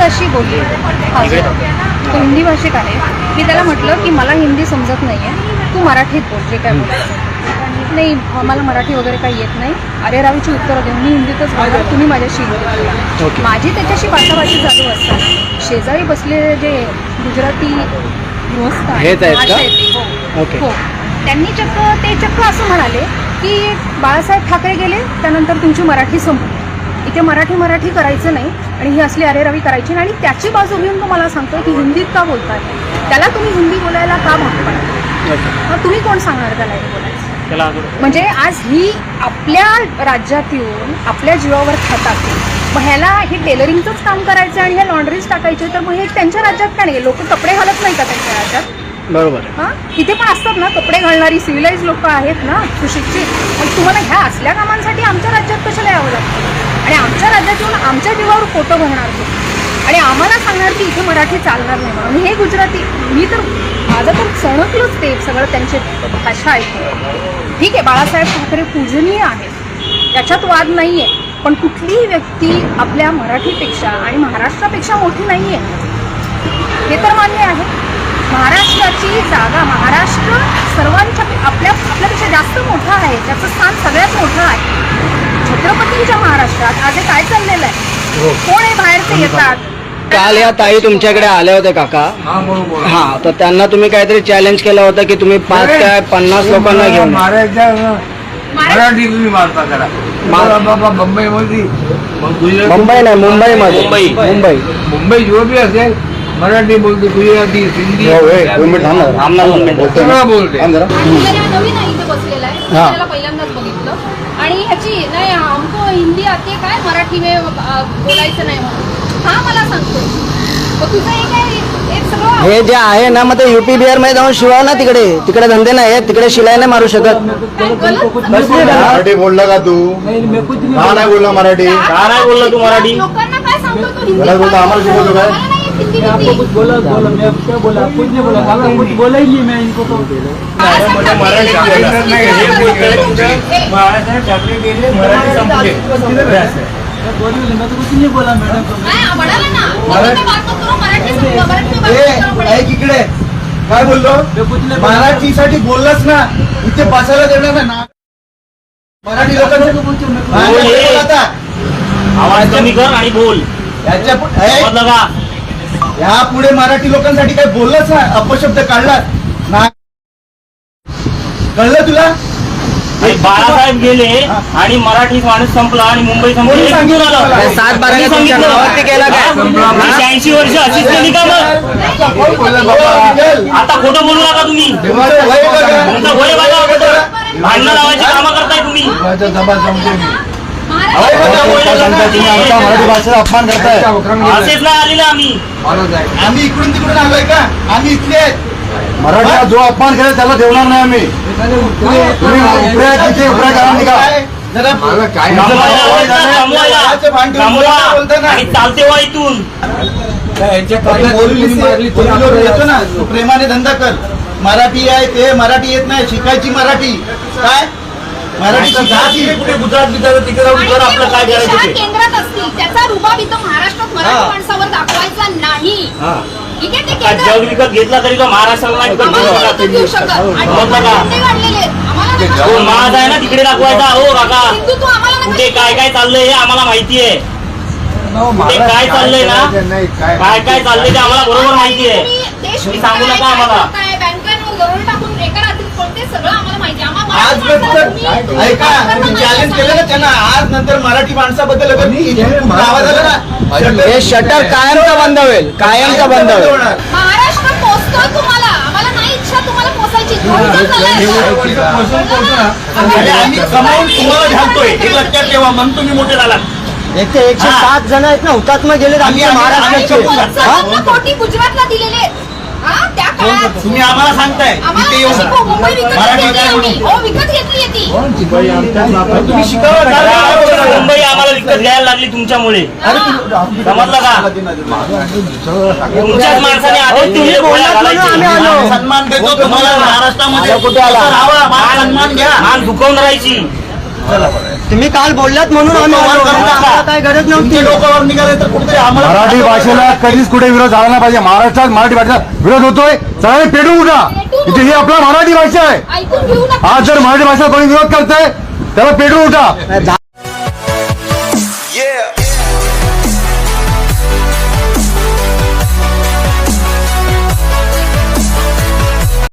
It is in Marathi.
माझ्याशी बोलली तो हिंदी भाषिक आहे. मी त्याला म्हटलं की मला हिंदी समजत नाही आहे, तू मराठीत बोल जे काय बोलायचं. नाही मला मराठी वगैरे काही येत नाही, अरे रावीची उत्तरं देऊन मी हिंदीतच बोलणार, तुम्ही माझ्याशी हिंदीत बोला. माझी त्याच्याशी बाचाबाची चालू असतात. शेजारी बसलेले जे गुजराती गृहस्थ आहेत हो, त्यांनी चक्क असं म्हणाले की बाळासाहेब ठाकरे गेले त्यानंतर तुमची मराठी संपली, इथे मराठी करायचं नाही आणि ही असली अरेरावी करायची नाही. आणि त्याची बाजू घेऊन तो मला सांगतोय की हिंदीत का बोलताय, त्याला तुम्ही हिंदी बोलायला का भाग पडता, तुम्ही कोण सांगणार त्याला हे बोलायचं. म्हणजे आज ही आपल्या राज्यात येऊन आपल्या जीवावर खातात, मग ह्याला हे टेलरिंगचंच काम करायचं आणि हे लॉन्ड्रीज टाकायचे, तर मग हे त्यांच्या राज्यात का नाही, लोक कपडे घालत नाही का त्यांच्या राज्यात. बरोबर. हां इथे पण असतात ना कपडे घालणारी सिव्हिलाइज लोक आहेत ना सुशिक्षित, मग तुम्हाला ह्या असल्या कामांसाठी आमच्या राज्यात कशाला यावं लागतं आणि आमच्या राज्यात येऊन आमच्या जीवावर फोटो भरणार आणि आम्हाला सांगणार की इथे मराठी चालणार नाही म्हणून. हे गुजराती, मी तर माझं तर सणकलंच ते सगळं त्यांचे भाषा ऐकून. ठीक आहे बाळासाहेब ठाकरे पूजनीय आहेत, त्याच्यात वाद नाही आहे, पण कुठलीही व्यक्ती आपल्या मराठीपेक्षा आणि महाराष्ट्रापेक्षा मोठी नाही आहे हे तर मान्य आहे. महाराष्ट्राची जागा, महाराष्ट्र सर्वांच्या आपल्यापेक्षा जास्त मोठा आहे, त्याचं स्थान सगळ्यात मोठं आहे. छत्रपतींच्या महाराष्ट्रात आज काय चाललेलं आहे, कोण हे बाहेरचे येतात. काल या ताई तुमच्याकडे आल्या होत्या काका, हा तर त्यांना तुम्ही काहीतरी चॅलेंज केलं होतं की तुम्ही 5 काय 50 लोकांना घेऊन मराठी तुम्ही मारता त्याला बाबा मुंबईमध्ये, मुंबई नाही मुंबईमध्ये, मुंबई जो बी असेल मराठी बोलते, गुजराती, हिंदी सगळं बोलते. नवीन इथे बसलेला आहे, त्याला पहिल्यांदाच बघितलं आणि ह्याची नाही हमको हिंदी आते काय मराठी में बोलायचं नाही म्हणून हा मला सांगतो. तुझं हे काय सगळं हे जे आहे ना मग ते युपी बिहार मध्ये जाऊन शिवाय ना, तिकडे धंदे नाही, तिकडे शिलाई नाही मारू शकत. मराठी बोलला का तू, का नाही बोलला मराठी, का नाही बोलला तू मराठी, लोकांना काय सांगतो तू हिंदी बोलला आम्हाला शिकवतो काय. आपको कुछ बोला मैं क्या बोला, कुछ नहीं बोला, आपको कुछ बोला ही नहीं मैं इनको. तो मराठी ठाकरे गेले, मराठी संपले. मैं तो कुछ नहीं बोला मैडम. इकडे काय बोललो, मराठीसाठी बोललाच ना, इथे बसायला देणार ना मराठी लोकांना. आवाज कमी कर आणि बोल. या पुढे मराठी लोकांसाठी काय बोललाच ना, अपशब्द काढला ना, कळलं तुला. बाळासाहेब गेले आणि मराठी माणूस संपला आणि मुंबई संपली. 80 वर्ष अशीच केली का मग. आता खोटं बोलू नका तुम्ही, तुमचं वय बघा, भांडणं लावायची कामं करताय तुम्ही. मराठी भाषेचा अपमान करताय. असेच नाही आलेलं आम्ही इकडून तिकडून आलोय का, आम्ही इथले आहेत. मराठीचा जो अपमान केला त्याला ठेवणार नाही आम्ही. चालते वा इथून येतो ना, प्रेमाने धंदा कर. मराठी आहे ते मराठी येत नाही, शिकायची मराठी. काय मराठी कुठे गुजरात बिजरात तिकडे जाऊन आपलं काय करायचं केंद्रात असतील, त्याचा रुबाब इथं महाराष्ट्रात मराठी माणसावर दाखवायचा नाही. जग विकत घेतला तरी तो महाराष्ट्राला नाही महाज आहे ना तिकडे दाखवायचा. हो काका कुठे काय काय चाललंय हे आम्हाला माहिती आहे, कुठे काय चाललंय ना, काय काय चाललंय ते आम्हाला बरोबर माहिती आहे. तुम्ही सांगू नका आम्हाला. आज ऐका, तुम्ही चॅलेंज केलं ना त्यांना, आज नंतर मराठी माणसाबद्दल आवाज आला ना, हे शटर कायमचा बंद होईल, कायमचा बंद होईल. महाराष्ट्र पोचतोय तुम्हाला, आम्हाला नाही इच्छा तुम्हाला पोचायची. आम्ही कमावून तुम्हाला घालतोय, हे लक्षात ठेवा. मग तुम्ही मोठे झालात. इथे 107 जण आहेत ना हुतात्मा गेले आमच्या महाराष्ट्राचे. कोटी गुजरातला दिलेले तुम्ही आम्हाला सांगताय इथे येऊन मराठी काय म्हणून विकत घेतली ती तुम्ही शिकावं. मुंबई आम्हाला विकत घ्यायला लागली तुमच्यामुळे, समजलं का. तुमच्याच माणसाने सन्मान देतो तुम्हाला महाराष्ट्रामध्ये. कुठे आला सन्मान घ्या, मान दुखवून राहायची. चला तुम्ही काल बोललात म्हणून आम्ही आलो. आम्हाला काय गरज नव्हती. तुमचे डोक्यावर निघाले तर कुठेतरी आम्हाला मराठी भाषेला कधीच कुठे विरोध झाला नाही पाहिजे. महाराष्ट्रात मराठी भाषेचा विरोध होतोय, सगळ्यांनी पेटून उठा. इथे ही आपला मराठी भाषा आहे. ऐकून घेऊ नका. आज जर मराठी भाषा कोणी विरोध करताय त्याला पेटून उठा.